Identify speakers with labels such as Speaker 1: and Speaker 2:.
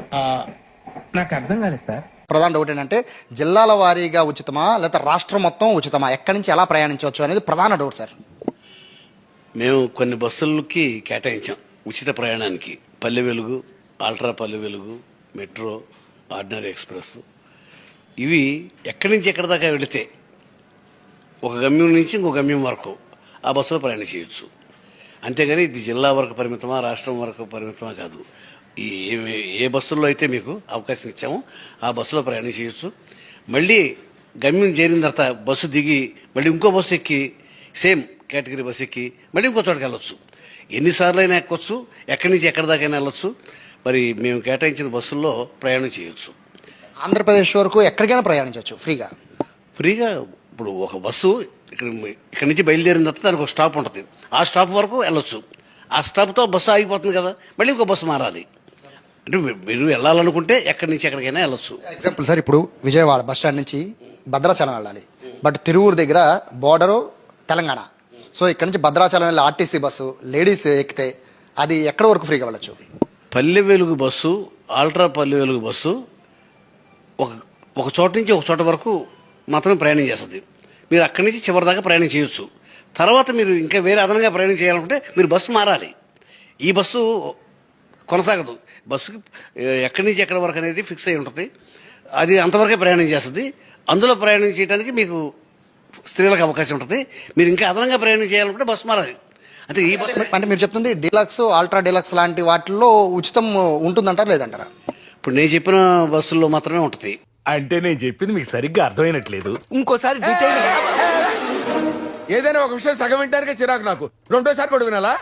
Speaker 1: నాకు అర్థం కాలేదు సార్.
Speaker 2: ప్రధాన డౌట్ ఏంటంటే జిల్లాల వారీగా ఉచితమా లేకపోతే రాష్ట్రం మొత్తం ఉచితమా, ఎక్కడి నుంచి ఎలా ప్రయాణించవచ్చు అనేది ప్రధాన డౌట్ సార్.
Speaker 3: మేము కొన్ని బస్సులకి కేటాయించాం ఉచిత ప్రయాణానికి. పల్లె వెలుగు, అల్ట్రా పల్లె వెలుగు, మెట్రో, ఆర్డినరీ ఎక్స్ప్రెస్. ఇవి ఎక్కడి నుంచి ఎక్కడి దాకా వెళితే ఒక గమ్యం నుంచి ఇంకో గమ్యం వరకు ఆ బస్సులో ప్రయాణం చేయొచ్చు. అంతేగాని ఇది జిల్లా వరకు పరిమితమా రాష్ట్రం వరకు పరిమితమా కాదు. ఏ బస్సుల్లో అయితే మీకు అవకాశం ఇచ్చామో ఆ బస్సులో ప్రయాణం చేయొచ్చు. మళ్ళీ గమ్యం చేరిన తర్వాత బస్సు దిగి మళ్ళీ ఇంకో బస్సు ఎక్కి సేమ్ కేటగిరీ బస్సు ఎక్కి మళ్ళీ ఇంకో చోటుకి వెళ్ళొచ్చు. ఎన్నిసార్లు అయినా ఎక్కొచ్చు, ఎక్కడి నుంచి ఎక్కడి దాకైనా వెళ్ళొచ్చు. మరి మేము కేటాయించిన బస్సుల్లో ప్రయాణం చేయొచ్చు.
Speaker 2: ఆంధ్రప్రదేశ్ వరకు ఎక్కడికైనా ప్రయాణించవచ్చు ఫ్రీగా.
Speaker 3: ఇప్పుడు ఒక బస్సు ఇక్కడ నుంచి బయలుదేరిన తర్వాత దానికి ఒక స్టాప్ ఉంటుంది. ఆ స్టాప్ వరకు వెళ్ళొచ్చు. ఆ స్టాప్తో బస్సు ఆగిపోతుంది కదా, మళ్ళీ ఇంకో బస్సు మారాలి. అంటే మీరు వెళ్ళాలనుకుంటే ఎక్కడి నుంచి ఎక్కడికైనా వెళ్ళొచ్చు.
Speaker 2: ఎగ్జాంపుల్ సార్, ఇప్పుడు విజయవాడ బస్ స్టాండ్ నుంచి భద్రాచలం వెళ్ళాలి, బట్ తిరువూరు దగ్గర బోర్డరు తెలంగాణ. సో ఇక్కడ నుంచి భద్రాచలం వెళ్ళి ఆర్టీసీ బస్సు లేడీస్ ఎక్కితే అది ఎక్కడ వరకు ఫ్రీగా వెళ్ళచ్చు?
Speaker 3: పల్లె వెలుగు బస్సు, ఆల్ట్రా పల్లె వెలుగు బస్సు ఒక చోట నుంచి ఒక చోట వరకు మాత్రమే ప్రయాణం చేస్తుంది. మీరు అక్కడి నుంచి చివరి దాకా ప్రయాణం చేయొచ్చు. తర్వాత మీరు ఇంకా వేరే అదనంగా ప్రయాణం చేయాలనుకుంటే మీరు బస్సు మారాలి. ఈ బస్సు కొనసాగదు. బస్సుకి ఎక్కడి నుంచి ఎక్కడి వరకు అనేది ఫిక్స్ అయి ఉంటుంది. అది అంతవరకే ప్రయాణం చేస్తుంది. అందులో ప్రయాణం చేయడానికి మీకు స్త్రీలకు అవకాశం ఉంటుంది. మీరు ఇంకా అదనంగా ప్రయాణం చేయాలనుకుంటే బస్సు మారాలి. అంటే ఈ బస్సు
Speaker 2: అంటే మీరు చెప్తుంది డీలక్స్, అల్ట్రా డీలక్స్ లాంటి వాటిల్లో ఉచితం ఉంటుందంటారా లేదంటారా?
Speaker 3: ఇప్పుడు నేను చెప్పిన బస్సుల్లో మాత్రమే ఉంటుంది.
Speaker 1: అంటే నేను చెప్పింది మీకు సరిగ్గా అర్థమైనట్లేదు. ఇంకోసారి డీటెయిల్
Speaker 4: ఏదైనా ఒక విషయం సగం వింటానికే చిరాకు నాకు. రెండోసారి కూడా వినాలా?